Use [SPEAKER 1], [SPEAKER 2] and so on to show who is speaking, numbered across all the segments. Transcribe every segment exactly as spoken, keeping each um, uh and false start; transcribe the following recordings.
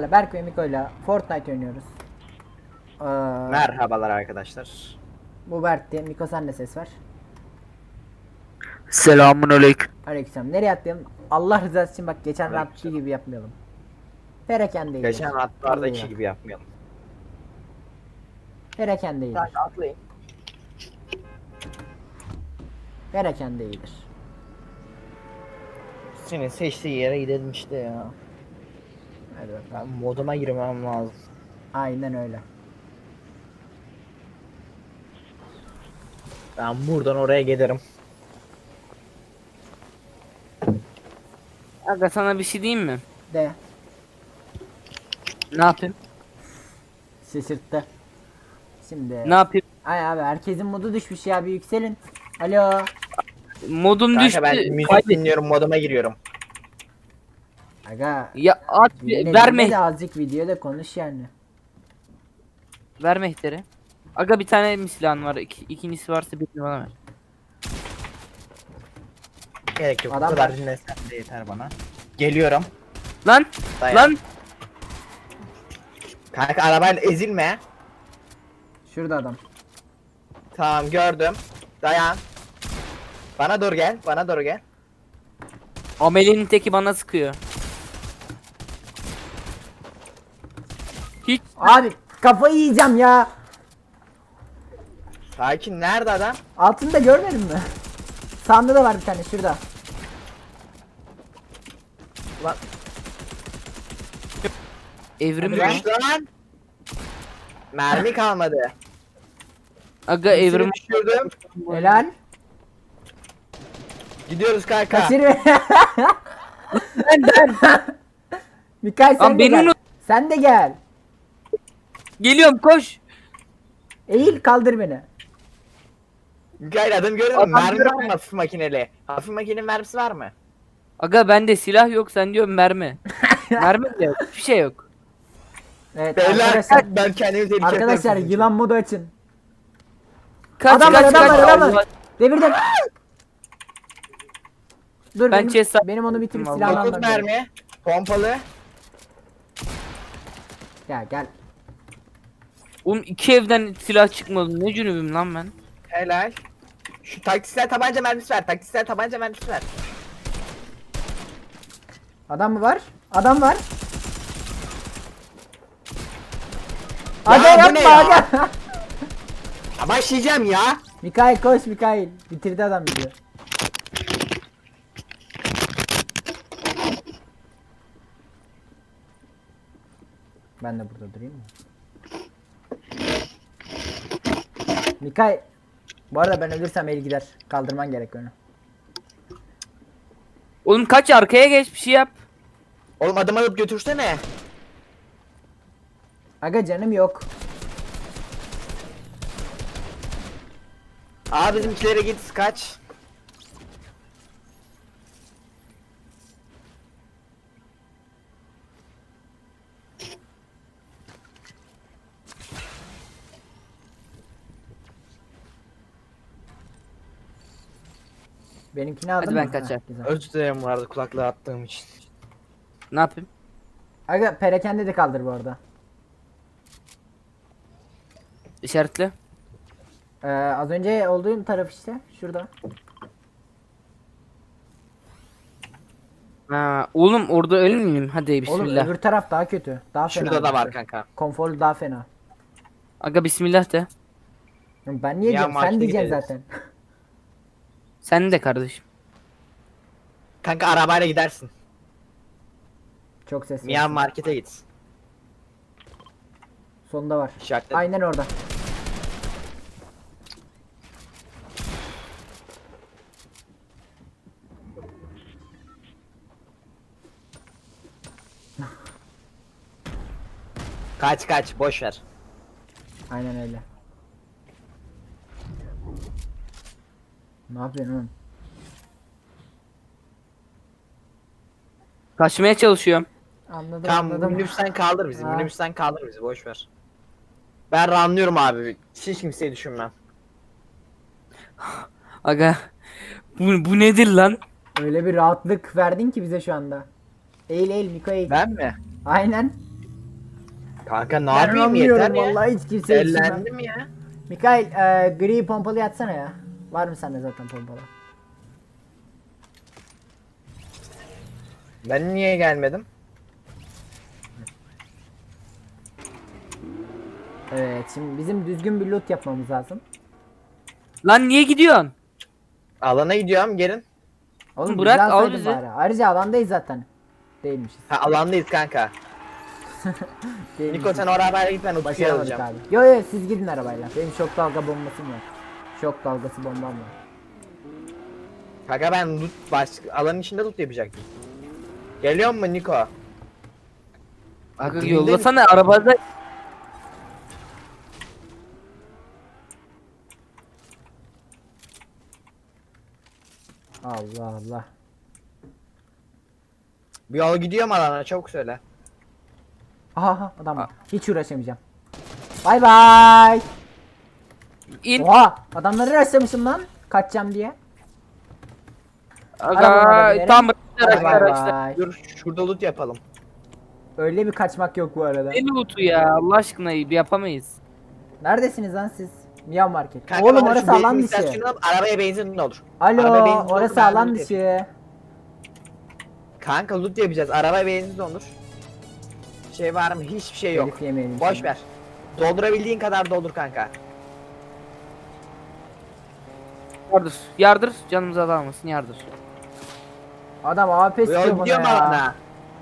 [SPEAKER 1] sizlerle Berk ve Miko'yla Fortnite oynuyoruz. Ee,
[SPEAKER 2] Merhabalar arkadaşlar.
[SPEAKER 1] Bu Berk'ti. Miko sen de ses ver.
[SPEAKER 3] Selamun aleyküm.
[SPEAKER 1] Aleykümselam. Nereye atlayalım? Allah rızası için bak geçen
[SPEAKER 2] Aleykümselam.
[SPEAKER 1] rahatçı gibi yapmayalım. Perakende iyidir.
[SPEAKER 2] Geçen
[SPEAKER 1] Vallahi
[SPEAKER 2] hatlardaki
[SPEAKER 1] bak.
[SPEAKER 2] gibi yapmayalım.
[SPEAKER 1] Perakende iyidir.
[SPEAKER 2] Kanka atlayın.
[SPEAKER 1] Perakende iyidir.
[SPEAKER 2] Senin seçtiği yere gidelim işte ya.
[SPEAKER 1] Hadi bakalım.
[SPEAKER 2] Ben moduma girmem lazım.
[SPEAKER 1] Aynen öyle.
[SPEAKER 2] Ben buradan oraya giderim.
[SPEAKER 3] Aga sana bir şey diyeyim mi?
[SPEAKER 1] De.
[SPEAKER 3] Ne yapayım?
[SPEAKER 1] Şaşırttı. Şimdi.
[SPEAKER 3] Ne yapayım?
[SPEAKER 1] Ay abi herkesin modu düşmüş ya, bir yükselin. Alo.
[SPEAKER 3] Modum
[SPEAKER 2] Kanka
[SPEAKER 3] düştü.
[SPEAKER 2] ben müzik
[SPEAKER 3] Kaybettim.
[SPEAKER 2] dinliyorum, moduma giriyorum.
[SPEAKER 1] Aga.
[SPEAKER 3] Ya at
[SPEAKER 1] Yine
[SPEAKER 3] verme
[SPEAKER 1] de azıcık videoda konuş yani.
[SPEAKER 3] ver mehteri. Aga bir tane mi silahın var? İki, ikincisi varsa birini bana ver.
[SPEAKER 2] Gerek yok.
[SPEAKER 1] Adam
[SPEAKER 2] Bu kadar
[SPEAKER 1] var.
[SPEAKER 2] dinlesen de yeter bana. Geliyorum.
[SPEAKER 3] Lan
[SPEAKER 2] Dayan.
[SPEAKER 3] lan
[SPEAKER 2] Kanka arabayla ezilme.
[SPEAKER 1] Şurada adam.
[SPEAKER 2] Tamam gördüm. Dayan. Bana doğru gel. Bana doğru gel.
[SPEAKER 3] Amelinin teki bana sıkıyor. Hiç
[SPEAKER 1] Abi kafayı yiyeceğim ya.
[SPEAKER 2] Sakin, nerede adam?
[SPEAKER 1] Altında görmedin mi? Sağında da var bir tane şurada.
[SPEAKER 2] Ulan
[SPEAKER 3] evrim
[SPEAKER 1] Hadi lan.
[SPEAKER 3] mi?
[SPEAKER 2] düş lan. Mermi kalmadı.
[SPEAKER 3] Aga evrim.
[SPEAKER 2] Birisini düşürdüm.
[SPEAKER 1] Helal.
[SPEAKER 2] Gidiyoruz kanka.
[SPEAKER 1] Kaçır beni.
[SPEAKER 3] Ben ben
[SPEAKER 1] Mikael sen
[SPEAKER 3] Lan
[SPEAKER 1] de
[SPEAKER 3] beni
[SPEAKER 1] gel.
[SPEAKER 3] unut-
[SPEAKER 1] Sen de gel.
[SPEAKER 3] geliyorum koş.
[SPEAKER 1] Eğil kaldır beni.
[SPEAKER 2] Gel adam gördün mü?
[SPEAKER 3] Adam
[SPEAKER 2] Mermi
[SPEAKER 3] gördüm.
[SPEAKER 2] var mı hafif makineli? Hafif makinenin mermisi var mı?
[SPEAKER 3] Aga bende silah yok, sen diyorsun mermi. Mermi de yok. Hiçbir şey yok.
[SPEAKER 1] Evet
[SPEAKER 2] Beyler
[SPEAKER 1] arkadaşlar.
[SPEAKER 2] ben kendimi tehlikeye
[SPEAKER 1] Arkadaşlar
[SPEAKER 2] atıyorum.
[SPEAKER 1] yılan modu açın.
[SPEAKER 3] Kaç
[SPEAKER 1] Adam var,
[SPEAKER 3] kaç
[SPEAKER 1] adam
[SPEAKER 3] kaç.
[SPEAKER 1] var, adam var.
[SPEAKER 3] Allah-
[SPEAKER 1] Devirdim. Dur
[SPEAKER 3] Ben
[SPEAKER 1] benim,
[SPEAKER 3] chest-
[SPEAKER 1] benim onu bitirip
[SPEAKER 3] Vallahi.
[SPEAKER 1] silahını
[SPEAKER 2] dokuz
[SPEAKER 1] almam gerek.
[SPEAKER 2] mermi. Pompalı.
[SPEAKER 1] Gel gel.
[SPEAKER 3] Oğlum iki evden silah çıkmadı. Ne cünübüm lan ben.
[SPEAKER 2] Helal. Şu taktiksel tabanca mermisi ver. Taktiksel tabanca mermisi ver.
[SPEAKER 1] Adam mı var? Adam var.
[SPEAKER 2] Ya
[SPEAKER 1] Aga
[SPEAKER 2] bu ne
[SPEAKER 1] yapma
[SPEAKER 2] ya?
[SPEAKER 1] aga.
[SPEAKER 2] Ya başlayacağım ya.
[SPEAKER 1] Mikail koş Mikail. Bitirdi adam bizi. Ben de burada durayım mı? Mikail. Bu arada ben ölürsem el gider. Kaldırman gerek onu.
[SPEAKER 3] Oğlum kaç arkaya geç bir şey yap.
[SPEAKER 2] Oğlum adım alıp götürsene.
[SPEAKER 1] Aga canım yok.
[SPEAKER 2] Aa bizimkilere git kaç.
[SPEAKER 1] Benimkini aldın
[SPEAKER 3] Hadi
[SPEAKER 1] mı?
[SPEAKER 3] ben
[SPEAKER 1] Ha,
[SPEAKER 3] kaçar.
[SPEAKER 1] güzel.
[SPEAKER 2] Özür dilerim bu arada kulaklığı attığım için.
[SPEAKER 3] Ne yapayım?
[SPEAKER 1] Aga perakende de kaldır bu arada.
[SPEAKER 3] İşaretle.
[SPEAKER 1] Ee, az önce olduğum taraf işte. Şurada.
[SPEAKER 3] Ha, oğlum orada ölmeyeyim. Hadi
[SPEAKER 1] Oğlum
[SPEAKER 3] bismillah.
[SPEAKER 1] öbür taraf daha kötü. Daha fena.
[SPEAKER 2] Şurada da var
[SPEAKER 1] burası.
[SPEAKER 2] kanka.
[SPEAKER 1] Konforlu daha fena.
[SPEAKER 3] Aga bismillah de.
[SPEAKER 1] Ben niye
[SPEAKER 2] Ya
[SPEAKER 1] diyeyim? Sen
[SPEAKER 2] markete
[SPEAKER 1] diyeceksin
[SPEAKER 2] gideriz.
[SPEAKER 1] zaten.
[SPEAKER 3] Sen de kardeşim.
[SPEAKER 2] Kanka arabayla gidersin.
[SPEAKER 1] Çok ses var.
[SPEAKER 2] Miyan markete git.
[SPEAKER 1] Sonunda var.
[SPEAKER 2] İşaretledim.
[SPEAKER 1] Aynen orada.
[SPEAKER 2] Kaç kaç boş ver.
[SPEAKER 1] Aynen öyle. Ne yapıyorsun oğlum?
[SPEAKER 3] Kaçmaya çalışıyorum.
[SPEAKER 1] Anladım
[SPEAKER 2] Tamam
[SPEAKER 1] anladım.
[SPEAKER 2] minibüsten kaldır bizi.
[SPEAKER 1] Ha.
[SPEAKER 2] Minibüsten kaldır bizi boş ver. Ben ranlıyorum abi. Hiç kimseyi düşünmem.
[SPEAKER 3] Aga. Bu, bu nedir lan?
[SPEAKER 1] Öyle bir rahatlık verdin ki bize şu anda. Eğil eğil Miko eğil.
[SPEAKER 2] Ben mi?
[SPEAKER 1] Aynen.
[SPEAKER 2] Kanka ne
[SPEAKER 1] Ben
[SPEAKER 2] yapayım yeter
[SPEAKER 1] anlamıyorum
[SPEAKER 2] ya.
[SPEAKER 1] vallahi hiç kimse yetiştirmem.
[SPEAKER 2] Ellendim ya.
[SPEAKER 1] Mikail e, gri pompalı yatsana ya. Var mı sende zaten pompalı?
[SPEAKER 2] Ben niye gelmedim?
[SPEAKER 1] Evet şimdi bizim düzgün bir loot yapmamız lazım.
[SPEAKER 3] Lan niye gidiyorsun?
[SPEAKER 2] Alana gidiyorum gelin.
[SPEAKER 1] Oğlum
[SPEAKER 3] Bırak,
[SPEAKER 1] bizi
[SPEAKER 3] al
[SPEAKER 1] alsaydın
[SPEAKER 3] bizi.
[SPEAKER 1] bari. Ayrıca alandayız zaten. Değilmişiz.
[SPEAKER 2] Ha alandayız kanka.
[SPEAKER 1] Değilmişiz.
[SPEAKER 2] Niko sen o arabayla git ben Utku'yu
[SPEAKER 1] Başaramadık
[SPEAKER 2] alacağım.
[SPEAKER 1] abi. Yo yo siz gidin arabayla. Benim şok dalga bombasım var. Şok dalgası bombam var.
[SPEAKER 2] Kanka ben loot baş alanın içinde loot yapacaktım. Geliyor mu Niko?
[SPEAKER 3] Aga
[SPEAKER 2] Green'de
[SPEAKER 3] yollasana arabada.
[SPEAKER 1] Allah Allah.
[SPEAKER 2] Bir yol gidiyor mu alana çabuk söyle.
[SPEAKER 1] Aha aha adam var. Hiç uğraşamayacağım. Bay bay.
[SPEAKER 3] İn.
[SPEAKER 1] Oha adamları rastlamışım lan. Kaçacağım diye.
[SPEAKER 3] Aga
[SPEAKER 1] Arabalara
[SPEAKER 3] tam
[SPEAKER 1] Bay
[SPEAKER 3] araçlar
[SPEAKER 1] bay
[SPEAKER 3] araçlar.
[SPEAKER 1] bay.
[SPEAKER 2] Dur şurada loot yapalım.
[SPEAKER 1] Öyle bir kaçmak yok bu arada.
[SPEAKER 3] Ne loot'u ya Allah aşkına yapamayız.
[SPEAKER 1] Neredesiniz lan siz? Miyav Market.
[SPEAKER 2] Kanka
[SPEAKER 1] Oğlum
[SPEAKER 2] bana
[SPEAKER 1] orası
[SPEAKER 2] şu benzin
[SPEAKER 1] alan dışı.
[SPEAKER 2] istasyonu al, arabaya benzin olur.
[SPEAKER 1] Alo
[SPEAKER 2] Arabaya benzin olur,
[SPEAKER 1] orası
[SPEAKER 2] ben
[SPEAKER 1] alan
[SPEAKER 2] loot yapayım.
[SPEAKER 1] dışı.
[SPEAKER 2] Kanka loot yapacağız. Arabaya benzin olur. Şey var mı? Hiçbir şey yok.
[SPEAKER 1] Herif yemeyelim
[SPEAKER 2] Boş
[SPEAKER 1] şimdi.
[SPEAKER 2] ver. Doldurabildiğin kadar doldur kanka.
[SPEAKER 3] Yardır. Yardır canımıza dalmasın yardır.
[SPEAKER 1] Adam A P
[SPEAKER 2] Bu yol
[SPEAKER 1] sıkıyor bana
[SPEAKER 2] gidiyor mu
[SPEAKER 1] ya.
[SPEAKER 2] alana?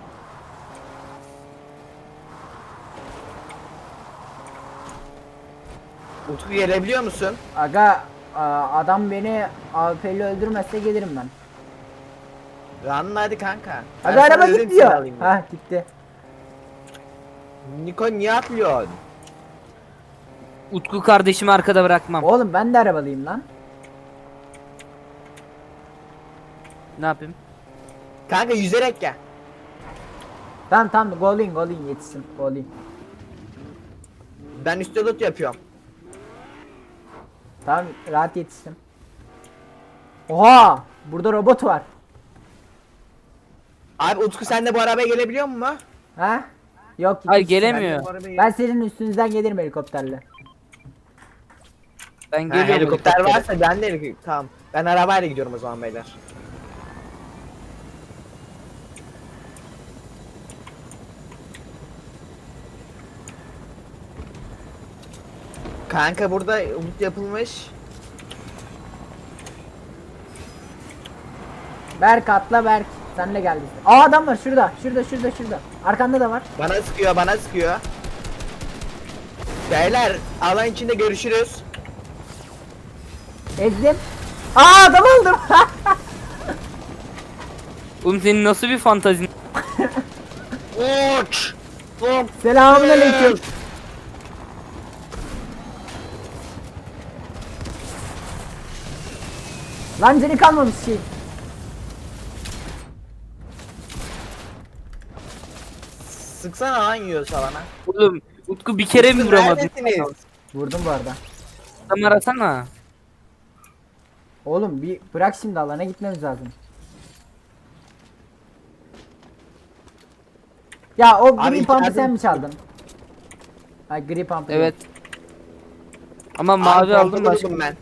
[SPEAKER 2] Utku gelebiliyor musun?
[SPEAKER 1] Aga a- adam beni A P'li öldürmezse gelirim ben.
[SPEAKER 2] Ranla hadi kanka. Ben
[SPEAKER 1] Aga
[SPEAKER 2] sana
[SPEAKER 1] araba
[SPEAKER 2] dedim seni
[SPEAKER 1] gidiyor.
[SPEAKER 2] alayım diye.
[SPEAKER 1] Ha gitti.
[SPEAKER 2] Niko niye atlıyorsun?
[SPEAKER 3] Utku kardeşimi arkada bırakmam.
[SPEAKER 1] Oğlum ben de arabalıyım lan.
[SPEAKER 3] Ne yapayım?
[SPEAKER 2] Kanka yüzerek gel.
[SPEAKER 1] Tamam tamam golin golin yetişsin golin.
[SPEAKER 2] Ben üstte loot yapıyorum.
[SPEAKER 1] Tamam rahat yetiştim. Oha burada robot var.
[SPEAKER 2] Abi Utku sen de bu arabaya gelebiliyor musun?
[SPEAKER 1] Ha? Yok
[SPEAKER 3] Ay
[SPEAKER 1] gitmiş.
[SPEAKER 3] gelemiyor.
[SPEAKER 2] Ben de bu arabaya-
[SPEAKER 1] Ben senin üstünüzden gelirim helikopterle.
[SPEAKER 3] Ben
[SPEAKER 2] Ha,
[SPEAKER 3] geliyorum.
[SPEAKER 2] helikopter
[SPEAKER 3] helikoptere.
[SPEAKER 2] varsa ben de helikopter. Tamam. Ben arabayla gidiyorum o zaman beyler. Kanka burada loot yapılmış.
[SPEAKER 1] Berk atla Berk. Senle gel biz. Aa adam var şurada. Şurada şurada şurada. Arkanda da var.
[SPEAKER 2] Bana sıkıyor, bana sıkıyor. Beyler, alan içinde görüşürüz.
[SPEAKER 1] Ezdim. Aa adam aldım.
[SPEAKER 3] Oğlum senin nasıl bir fantazin?
[SPEAKER 2] Uç! Uç!
[SPEAKER 1] Selamünaleyküm. Lan canı kalmamış şey.
[SPEAKER 2] Sıksana lan yiyorsa bana.
[SPEAKER 3] Oğlum Utku bir kere mi
[SPEAKER 2] Utku
[SPEAKER 3] vuramadın?
[SPEAKER 2] neredesiniz?
[SPEAKER 1] Vurdum bu arada.
[SPEAKER 3] Adam arasana.
[SPEAKER 1] Oğlum bir bırak şimdi alana gitmemiz lazım. Ya o
[SPEAKER 2] Abi
[SPEAKER 1] gri pump'ı
[SPEAKER 2] içeride-
[SPEAKER 1] sen mi çaldın? Ha gri pump'ı.
[SPEAKER 3] Evet.
[SPEAKER 1] değil.
[SPEAKER 3] Ama
[SPEAKER 2] Abi
[SPEAKER 3] mavi aldım
[SPEAKER 2] pompalı
[SPEAKER 3] başka.
[SPEAKER 2] buldum ben.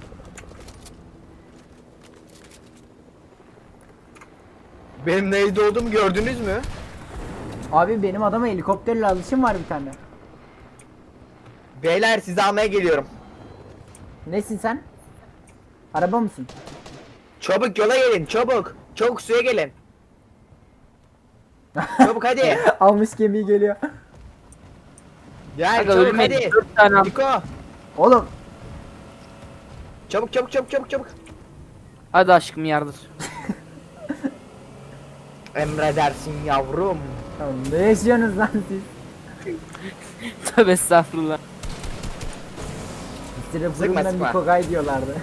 [SPEAKER 2] Benim neyde olduğumu gördünüz mü?
[SPEAKER 1] Abi benim adama helikopterle alışım var bir tane.
[SPEAKER 2] Beyler sizi almaya geliyorum.
[SPEAKER 1] Nesin sen? Araba mısın?
[SPEAKER 2] Çabuk yola gelin, çabuk. Çabuk suya gelin. Çabuk hadi.
[SPEAKER 1] Almış gemiyi geliyor.
[SPEAKER 2] Gel
[SPEAKER 3] Aga
[SPEAKER 2] çabuk
[SPEAKER 3] ölmeyin.
[SPEAKER 2] hadi.
[SPEAKER 3] Dört tane al.
[SPEAKER 2] Niko.
[SPEAKER 1] Oğlum
[SPEAKER 2] Çabuk çabuk çabuk çabuk çabuk.
[SPEAKER 3] Hadi aşkım yardır.
[SPEAKER 2] Emredersin yavrum.
[SPEAKER 1] oğlum ne yaşıyorsunuz lan siz?
[SPEAKER 3] Tövbe estağfurullah.
[SPEAKER 1] Sıra
[SPEAKER 2] Sıkma,
[SPEAKER 1] fırından
[SPEAKER 2] sıkma.
[SPEAKER 1] Mikogay diyorlardı.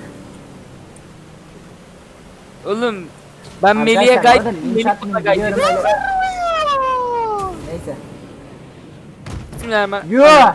[SPEAKER 3] Oğlum ben Melih'e
[SPEAKER 1] Arkadaşlar,
[SPEAKER 3] gayet
[SPEAKER 1] bu arada linç
[SPEAKER 3] Melih
[SPEAKER 1] atmayın,
[SPEAKER 3] bana gayet
[SPEAKER 1] biliyorum öyle. Neyse.
[SPEAKER 3] Bismillahirrahmanirrahim.
[SPEAKER 1] Yoo!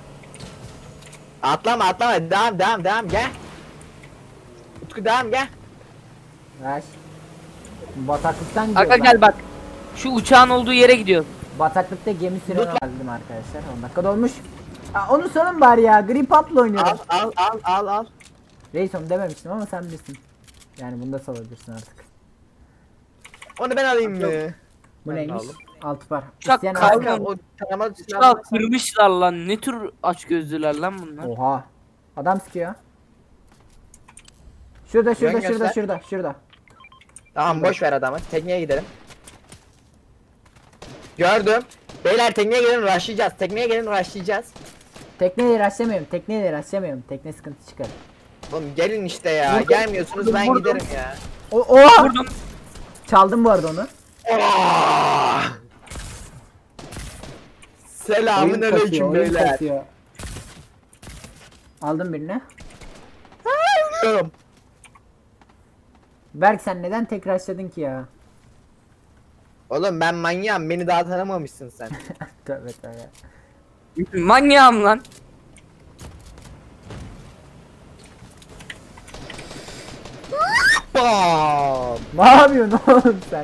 [SPEAKER 2] Atlama atlama devam devam devam gel. Utku devam gel.
[SPEAKER 1] Ver. Bataklıktan gidiyor.
[SPEAKER 3] Aga gel bak. Şu uçağın olduğu yere gidiyor.
[SPEAKER 1] Bataklıkta gemi süren aldım arkadaşlar. on dakika dolmuş. Aa, onu sorun bari ya. Grip up'la oynuyorum.
[SPEAKER 2] Al al al al al.
[SPEAKER 1] Reis onu dememiştim ama sen bilirsin. Yani bunu da salabilirsin artık.
[SPEAKER 2] Onu ben alayım mı?
[SPEAKER 1] Bu
[SPEAKER 2] Ben
[SPEAKER 1] neymiş?
[SPEAKER 2] aldım.
[SPEAKER 1] Altı var.
[SPEAKER 3] Uçak
[SPEAKER 1] İsteyen
[SPEAKER 3] kaldı.
[SPEAKER 1] alsın.
[SPEAKER 2] Kanka o taramalı
[SPEAKER 3] Ya
[SPEAKER 2] silah.
[SPEAKER 3] kırmışlar lan. Ne tür aç gözlüler lan bunlar?
[SPEAKER 1] Oha. Adam sıkıyor. Şurada şurada
[SPEAKER 2] Yön
[SPEAKER 1] şurada
[SPEAKER 2] göster.
[SPEAKER 1] şurada şurada.
[SPEAKER 2] Tamam boş ver adamı. Tekneye gidelim. Gördüm. Beyler tekneye gelin rushlayacağız. Tekneye gelin rushlayacağız.
[SPEAKER 1] Tekneyle rastlamıyorum. Tekneyle rastlamıyorum. Tekne sıkıntı çıkar.
[SPEAKER 2] Oğlum gelin işte ya.
[SPEAKER 3] Vurdum.
[SPEAKER 2] Gelmiyorsunuz ben
[SPEAKER 3] Vurdum.
[SPEAKER 2] giderim ya.
[SPEAKER 1] O oha!
[SPEAKER 3] Vurdum.
[SPEAKER 1] Çaldım bu arada onu.
[SPEAKER 2] Oh! Selamün
[SPEAKER 1] Oyun kasıyor,
[SPEAKER 2] aleyküm
[SPEAKER 1] oyun
[SPEAKER 2] beyler.
[SPEAKER 1] kasıyor. Aldım birini.
[SPEAKER 2] Ölüyorum.
[SPEAKER 1] Berk sen neden tekrar açladın ki ya?
[SPEAKER 2] Oğlum ben manyağım. Beni daha tanımamışsın sen.
[SPEAKER 1] Tövbe tövbe.
[SPEAKER 3] Manyağım lan.
[SPEAKER 2] Bam!
[SPEAKER 1] Ne yapıyorsun oğlum sen?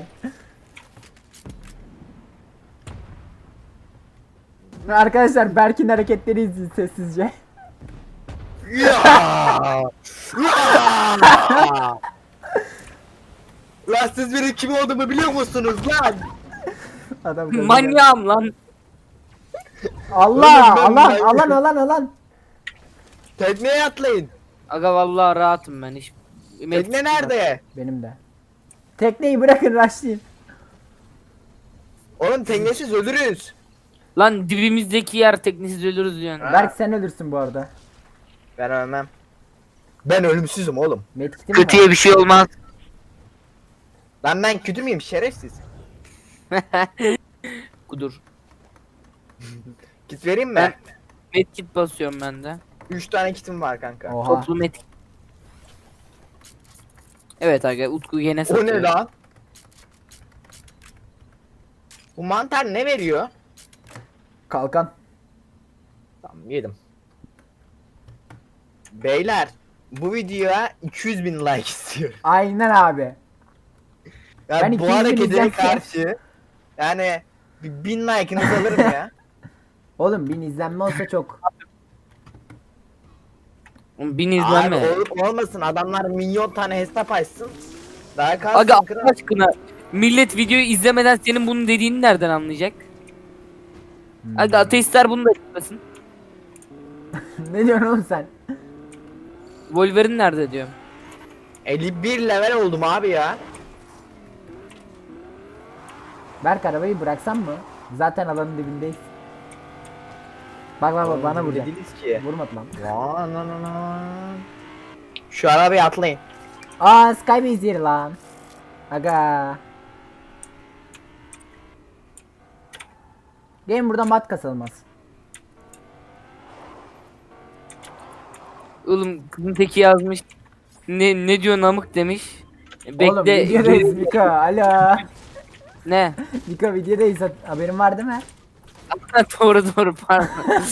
[SPEAKER 1] Arkadaşlar Berk'in hareketleri izleyin sessizce.
[SPEAKER 2] Ya! Ya! Lan siz benim kim olduğumu biliyor musunuz lan?
[SPEAKER 1] Adam gazı geldi.
[SPEAKER 3] Manyağım lan.
[SPEAKER 1] Allah
[SPEAKER 2] Oğlum ben
[SPEAKER 1] alan
[SPEAKER 2] manyak-
[SPEAKER 1] alan alan alan.
[SPEAKER 2] Tekneye atlayın.
[SPEAKER 3] Aga vallahi rahatım ben hiç.
[SPEAKER 2] Tekne nerede?
[SPEAKER 1] Benim de. Tekneyi bırakın rushlayın.
[SPEAKER 2] Oğlum teknesiz ölürüz.
[SPEAKER 3] Lan dibimizdeki yer teknesiz ölürüz diyorsun.
[SPEAKER 2] Ha.
[SPEAKER 1] Berk sen ölürsün bu arada.
[SPEAKER 2] Ben ölmem. Ben ölümsüzüm oğlum.
[SPEAKER 1] Medkit'im var.
[SPEAKER 3] Kötüye bir şey olmaz.
[SPEAKER 2] Lan ben kötü müyüm şerefsiz?
[SPEAKER 3] Kudur.
[SPEAKER 2] Kit vereyim mi?
[SPEAKER 3] Ben- Medkit basıyorum ben de.
[SPEAKER 2] üç tane kitim var kanka.
[SPEAKER 1] Oha.
[SPEAKER 3] Toplu medkit. Evet aga Utku yine
[SPEAKER 2] O
[SPEAKER 3] satıyor.
[SPEAKER 2] ne lan? Bu mantar ne veriyor?
[SPEAKER 1] Kalkan.
[SPEAKER 2] Tamam yedim. Beyler bu videoya iki yüz bin like istiyorum.
[SPEAKER 1] Aynen abi. Ben
[SPEAKER 2] Yani
[SPEAKER 1] iki
[SPEAKER 2] bu
[SPEAKER 1] yüz bin
[SPEAKER 2] harekete
[SPEAKER 1] izlense-
[SPEAKER 2] karşı yani bir bin like'ınızı alırım ya.
[SPEAKER 1] Oğlum bin izlenme olsa çok.
[SPEAKER 3] Oğlum Bin
[SPEAKER 2] Abi
[SPEAKER 3] izlenme.
[SPEAKER 2] olup olmasın adamlar milyon tane hesap açsın. Daha
[SPEAKER 3] Aga
[SPEAKER 2] kalsın
[SPEAKER 3] Allah
[SPEAKER 2] kral.
[SPEAKER 3] aşkına millet videoyu izlemeden senin bunun dediğini nereden anlayacak?
[SPEAKER 1] Hmm.
[SPEAKER 3] Aga ateistler bunu da yapmasın.
[SPEAKER 1] Ne diyorsun oğlum sen?
[SPEAKER 3] Wolverine nerede diyorum.
[SPEAKER 2] elli bir level oldum abi ya.
[SPEAKER 1] Berk arabayı bıraksan mı? Zaten alanın dibindeyiz. Bak bak bak bana vuracak.
[SPEAKER 2] Dediniz ki.
[SPEAKER 1] Vurmadı lan.
[SPEAKER 2] Lan lan lan lan. Şu arabaya atlayın.
[SPEAKER 1] Aa Skybase yeri lan. Aga. Gelin buradan mat kasalım az.
[SPEAKER 3] Oğlum kızın teki yazmış. Ne ne diyor namık demiş. Bekle.
[SPEAKER 1] Oğlum videodayız Mika. Alo.
[SPEAKER 3] Ne?
[SPEAKER 1] Mika videodayız. Haberin var değil mi?
[SPEAKER 3] doğru doğru pardon.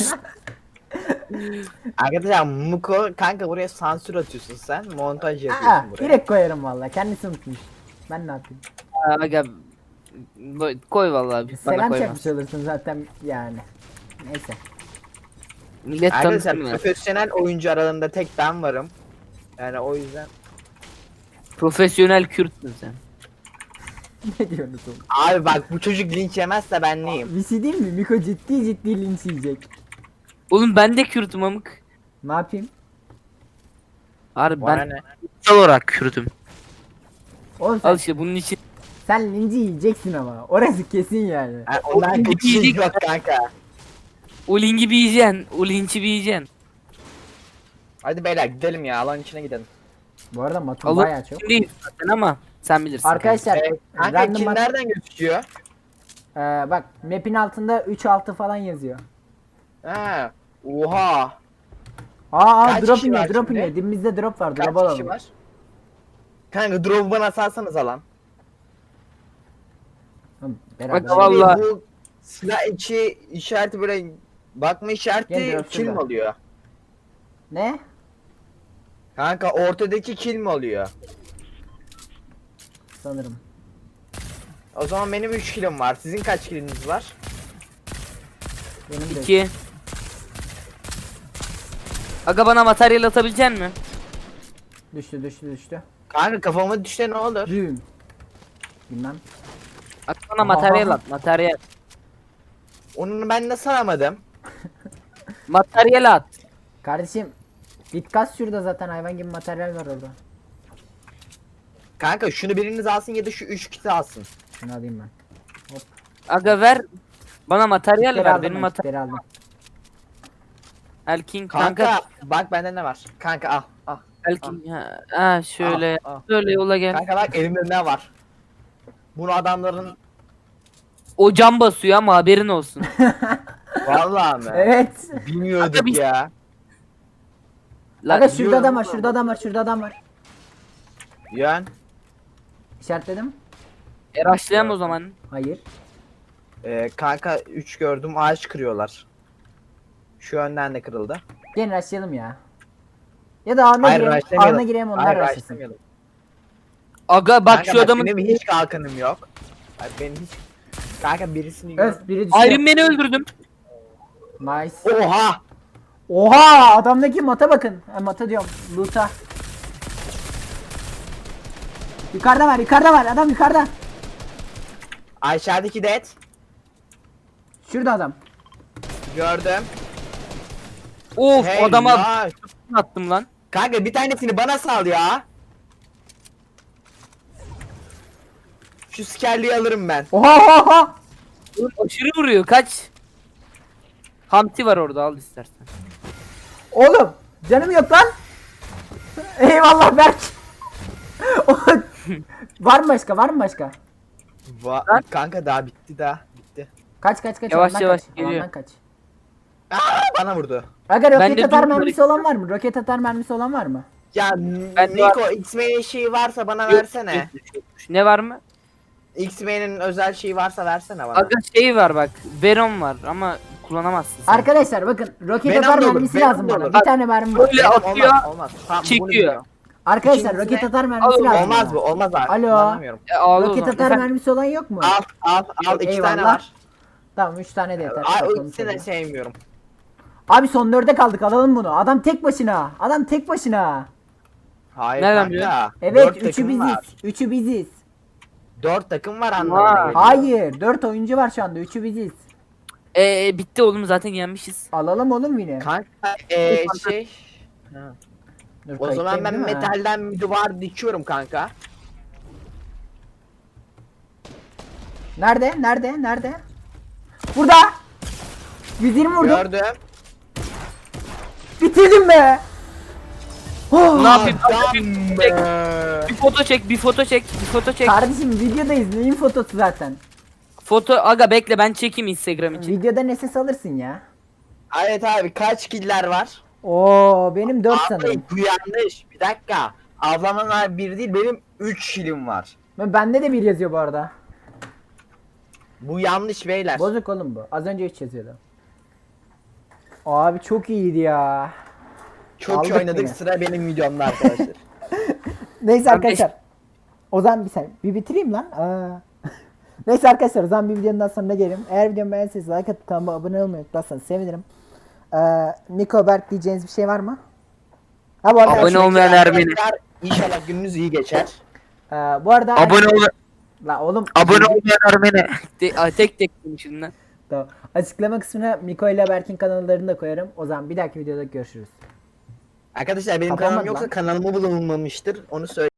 [SPEAKER 2] Arkadaşlar Muko kanka buraya sansür atıyorsun sen. Montaj yapıyorsun
[SPEAKER 1] Aa,
[SPEAKER 2] buraya.
[SPEAKER 1] direkt koyarım valla. Kendisi unutmuş. Ben ne yapayım?
[SPEAKER 3] Aga bu- koy vallahi bana
[SPEAKER 1] Selam
[SPEAKER 3] koymaz.
[SPEAKER 1] çakmış olursun zaten yani. Neyse.
[SPEAKER 3] Millet
[SPEAKER 2] Arkadaşlar
[SPEAKER 3] tanısın ya.
[SPEAKER 2] profesyonel oyuncu aralarında tek ben varım. Yani o yüzden.
[SPEAKER 3] Profesyonel Kürtsün sen.
[SPEAKER 1] Ne diyorsunuz oğlum?
[SPEAKER 2] Abi bak bu çocuk linç yemezse ben neyim?
[SPEAKER 1] Bir şey diyeyim mi? Miko ciddi ciddi linç yiyecek.
[SPEAKER 3] Oğlum ben de Kürt'üm amık.
[SPEAKER 1] Ne yapayım?
[SPEAKER 3] Harbi
[SPEAKER 2] Bana
[SPEAKER 3] ben
[SPEAKER 2] ne?
[SPEAKER 3] kutsal olarak Kürt'üm.
[SPEAKER 1] Oğlum sen,
[SPEAKER 3] Al işte bunun için.
[SPEAKER 1] sen linci yiyeceksin ama. Orası kesin yani.
[SPEAKER 2] Ha, ondan kötü şey yok kanka.
[SPEAKER 3] O linki bir yiyeceksin. O linki bir yiyeceksin.
[SPEAKER 2] Hadi beyler gidelim ya alan içine gidelim.
[SPEAKER 1] Bu arada matım
[SPEAKER 3] Alın
[SPEAKER 1] bayağı çok.
[SPEAKER 3] değil zaten ama sen bilirsin.
[SPEAKER 1] Arkadaşlar
[SPEAKER 2] Ee, kanka
[SPEAKER 1] random
[SPEAKER 2] kim
[SPEAKER 1] mat-
[SPEAKER 2] nereden gözüküyor?
[SPEAKER 1] Ee, bak map'in altında üç altı falan yazıyor.
[SPEAKER 2] Ha. Oha.
[SPEAKER 1] Aa, aa
[SPEAKER 2] Kaç
[SPEAKER 1] drop
[SPEAKER 2] kişi
[SPEAKER 1] iniyor
[SPEAKER 2] var
[SPEAKER 1] drop
[SPEAKER 2] şimdi?
[SPEAKER 1] iniyor. Dibimizde drop var.
[SPEAKER 2] Kaç
[SPEAKER 1] Drop
[SPEAKER 2] kişi
[SPEAKER 1] alalım.
[SPEAKER 2] var? Kanka drop'u bana salsanız alan.
[SPEAKER 1] Oğlum, beraber.
[SPEAKER 3] Bak, vallahi-
[SPEAKER 2] bu silah içi işareti böyle bakma
[SPEAKER 1] Gel
[SPEAKER 2] işareti
[SPEAKER 1] drop
[SPEAKER 2] kill mi
[SPEAKER 1] şurada.
[SPEAKER 2] oluyor?
[SPEAKER 1] Ne?
[SPEAKER 2] Kanka ortadaki kill mi oluyor?
[SPEAKER 1] Sanırım.
[SPEAKER 2] O zaman benim üç killim var. Sizin kaç killiniz var?
[SPEAKER 1] Benim de.
[SPEAKER 3] iki. Aga bana materyal atabilecek misin?
[SPEAKER 1] Düştü düştü düştü.
[SPEAKER 2] Kanka kafama düşse ne olur?
[SPEAKER 1] Düğüm. Bilmem.
[SPEAKER 3] At bana materyal at materyal.
[SPEAKER 2] Onu ben nasıl alamadım?
[SPEAKER 3] Materyal at.
[SPEAKER 1] Kardeşim. Git kas şurada zaten hayvan gibi materyal var orada.
[SPEAKER 2] Kanka şunu biriniz alsın ya da şu üç kiti alsın.
[SPEAKER 1] Şunu alayım ben. Hop.
[SPEAKER 3] Aga ver. Bana materyal
[SPEAKER 1] Kitleri
[SPEAKER 3] ver.
[SPEAKER 1] aldım
[SPEAKER 3] Benim
[SPEAKER 1] ben,
[SPEAKER 3] materyal.
[SPEAKER 1] kitleri aldım.
[SPEAKER 3] Elkin
[SPEAKER 2] Kanka,
[SPEAKER 3] kanka.
[SPEAKER 2] bak bende ne var? Kanka al al.
[SPEAKER 3] Elkin ha, ha şöyle.
[SPEAKER 2] Al, al.
[SPEAKER 3] Şöyle yola gel.
[SPEAKER 2] Kanka bak elimde ne var? Bunu adamların
[SPEAKER 3] O cam basıyor ama haberin olsun.
[SPEAKER 2] vallahi mi?
[SPEAKER 1] Evet.
[SPEAKER 2] Bilmiyorduk
[SPEAKER 3] Aga biz-
[SPEAKER 2] ya.
[SPEAKER 3] La,
[SPEAKER 1] Aga şurada
[SPEAKER 2] diyorum
[SPEAKER 1] adam var
[SPEAKER 2] ama.
[SPEAKER 1] şurada adam var şurada adam var.
[SPEAKER 2] Yön.
[SPEAKER 1] İşaretledim.
[SPEAKER 3] e, rushlayalım o zaman.
[SPEAKER 1] Hayır.
[SPEAKER 2] Ee, kanka üç gördüm ağaç kırıyorlar. Şu önden de kırıldı.
[SPEAKER 1] Gelin açlayalım ya. Ya da ağına
[SPEAKER 2] Hayır
[SPEAKER 1] girelim.
[SPEAKER 2] başlamayalım.
[SPEAKER 1] Ağına girelim onlar
[SPEAKER 2] Hayır
[SPEAKER 1] açlasın.
[SPEAKER 2] başlamayalım.
[SPEAKER 3] Aga bak
[SPEAKER 2] Kanka
[SPEAKER 3] şu adamın
[SPEAKER 2] benim hiç kalkanım yok. Ay, benim hiç. Kanka birisini gör.
[SPEAKER 1] Öf biri düşüyor.
[SPEAKER 3] Iron Man'i öldürdüm.
[SPEAKER 1] Nice.
[SPEAKER 2] Oha!
[SPEAKER 1] Oha adamdaki mata bakın. Ha, mata diyorum. Loot'a. Yukarıda var yukarıda var adam yukarıda.
[SPEAKER 2] Aşağıdaki dead.
[SPEAKER 1] Şurada adam.
[SPEAKER 2] Gördüm.
[SPEAKER 3] Of
[SPEAKER 2] Hey,
[SPEAKER 3] adama
[SPEAKER 2] ya.
[SPEAKER 3] attım lan.
[SPEAKER 2] Kanka bir tanesini bana sal ya. Şu skerliği alırım ben.
[SPEAKER 1] Oha oha oha.
[SPEAKER 3] Oğlum aşırı vuruyor kaç. Hamti var orada al istersen.
[SPEAKER 1] Oğlum canım yok lan. Eyvallah Berk. Var mı başka var mı başka?
[SPEAKER 2] Va
[SPEAKER 3] Lan.
[SPEAKER 2] kanka daha bitti daha. Bitti.
[SPEAKER 1] Kaç kaç kaç.
[SPEAKER 3] Yavaş
[SPEAKER 1] alandan
[SPEAKER 3] yavaş
[SPEAKER 1] kaç,
[SPEAKER 3] geliyor.
[SPEAKER 1] alandan kaç.
[SPEAKER 2] Aa, bana vurdu.
[SPEAKER 1] Aga
[SPEAKER 3] Ben
[SPEAKER 1] roket
[SPEAKER 3] de
[SPEAKER 1] atar
[SPEAKER 3] dur-
[SPEAKER 1] mermisi olan var mı? Roket atar mermisi olan var mı?
[SPEAKER 2] Ya
[SPEAKER 3] Ben de
[SPEAKER 2] Niko X-Men'in şeyi varsa bana
[SPEAKER 3] Yok,
[SPEAKER 2] versene.
[SPEAKER 3] yok, yok. Ne var mı?
[SPEAKER 2] X-Men'in özel şeyi varsa versene bana.
[SPEAKER 3] Aga şey var bak. Venom var ama kullanamazsın sen.
[SPEAKER 1] Arkadaşlar bakın roket
[SPEAKER 2] Venom
[SPEAKER 1] atar
[SPEAKER 2] da olur,
[SPEAKER 1] mermisi
[SPEAKER 2] Venom
[SPEAKER 1] lazım
[SPEAKER 2] da
[SPEAKER 1] bana.
[SPEAKER 2] olur.
[SPEAKER 1] Bir tane mermi var.
[SPEAKER 3] Böyle
[SPEAKER 2] Benim
[SPEAKER 3] atıyor.
[SPEAKER 2] olmaz, olmaz. Tamam, bunu
[SPEAKER 3] çekiyor.
[SPEAKER 2] biliyorum.
[SPEAKER 1] Arkadaşlar
[SPEAKER 2] İkincisine-
[SPEAKER 1] roket atar mermisi
[SPEAKER 3] Al,
[SPEAKER 1] lazım.
[SPEAKER 2] Olmaz
[SPEAKER 1] bana.
[SPEAKER 2] bu, olmaz abi.
[SPEAKER 1] Alo.
[SPEAKER 2] Kullanamıyorum.
[SPEAKER 3] E, al o
[SPEAKER 1] Roket
[SPEAKER 3] zaman.
[SPEAKER 1] atar
[SPEAKER 3] Efendim?
[SPEAKER 1] mermisi olan yok mu?
[SPEAKER 2] Al, al, al. iki
[SPEAKER 1] Eyvallah.
[SPEAKER 2] tane var.
[SPEAKER 1] Tamam üç tane de yeter.
[SPEAKER 2] Ay, o
[SPEAKER 1] Bakalım
[SPEAKER 2] ikisini de
[SPEAKER 1] şöyle.
[SPEAKER 2] sevmiyorum.
[SPEAKER 1] Abi son dörde kaldık alalım bunu. Adam tek başına. Adam tek başına.
[SPEAKER 2] Hayır
[SPEAKER 3] Nereden
[SPEAKER 2] kanka.
[SPEAKER 3] biliyorsun?
[SPEAKER 1] Evet
[SPEAKER 2] Dört
[SPEAKER 1] üçü
[SPEAKER 2] takım
[SPEAKER 1] biziz.
[SPEAKER 2] var.
[SPEAKER 1] Üçü biziz.
[SPEAKER 2] Dört takım var
[SPEAKER 3] Vay.
[SPEAKER 2] anlamına geliyor.
[SPEAKER 1] Hayır dört oyuncu var şu anda. Üçü biziz.
[SPEAKER 3] E, e, bitti oğlum zaten yenmişiz.
[SPEAKER 1] Alalım oğlum yine.
[SPEAKER 2] Kanka eee şey. Ha.
[SPEAKER 1] Dur,
[SPEAKER 2] O zaman
[SPEAKER 1] kayıttayım
[SPEAKER 2] ben
[SPEAKER 1] değil mi?
[SPEAKER 2] metalden bir duvar dikiyorum kanka.
[SPEAKER 1] Nerede? Nerede? Nerede? Burada. yüz yirmi vurdum.
[SPEAKER 2] Gördüm.
[SPEAKER 1] Bitirdim be. Oh.
[SPEAKER 3] Ne yapayım?
[SPEAKER 2] Adam
[SPEAKER 3] Bir,
[SPEAKER 2] be.
[SPEAKER 3] bir foto çek, bir foto çek, bir foto çek.
[SPEAKER 1] Kardeşim videodayız. Neyin fotosu zaten?
[SPEAKER 3] Foto aga bekle ben çekeyim Instagram için.
[SPEAKER 1] Videoda S S alırsın ya.
[SPEAKER 2] Evet abi kaç killer var?
[SPEAKER 1] Oo benim dört
[SPEAKER 2] Abi
[SPEAKER 1] sanırım.
[SPEAKER 2] bu yanlış. Bir dakika. Ablamın var bir değil benim üç kilim var.
[SPEAKER 1] Ben- Bende de bir yazıyor bu arada.
[SPEAKER 2] Bu yanlış beyler.
[SPEAKER 1] Bozuk oğlum bu. Az önce üç yazıyordu. Abi çok iyiydi ya.
[SPEAKER 2] Çok
[SPEAKER 1] Aldık
[SPEAKER 2] iyi oynadık
[SPEAKER 1] yine.
[SPEAKER 2] sıra benim videomda arkadaşlar.
[SPEAKER 1] Neyse
[SPEAKER 3] Ben
[SPEAKER 1] arkadaşlar. O zaman bir saniye. Bir bitireyim lan. Aa. Neyse arkadaşlar o zaman bir videonun daha sonuna gelelim. Eğer videomu beğendiyseniz like atıp kanalıma abone olmayı unutmazsanız sevinirim. Ee, Niko Berk diyeceğiniz bir şey var mı? Ha bu arada,
[SPEAKER 3] Abone olmayan Ermeni.
[SPEAKER 2] Arkadaşlar, İnşallah gününüz iyi geçer.
[SPEAKER 1] Ee, bu arada
[SPEAKER 3] Abone ol.
[SPEAKER 1] La oğlum.
[SPEAKER 3] Abone olmayan Ermeni. De, a, tek tek demişim lan.
[SPEAKER 1] Tamam. Açıklama kısmına Miko ile Berk'in kanallarını da koyarım. O zaman bir dahaki videoda görüşürüz.
[SPEAKER 2] Arkadaşlar benim
[SPEAKER 1] Kapanmadı
[SPEAKER 2] kanalım yoksa
[SPEAKER 1] lan.
[SPEAKER 2] kanalımı bulunmamıştır. Onu söyle.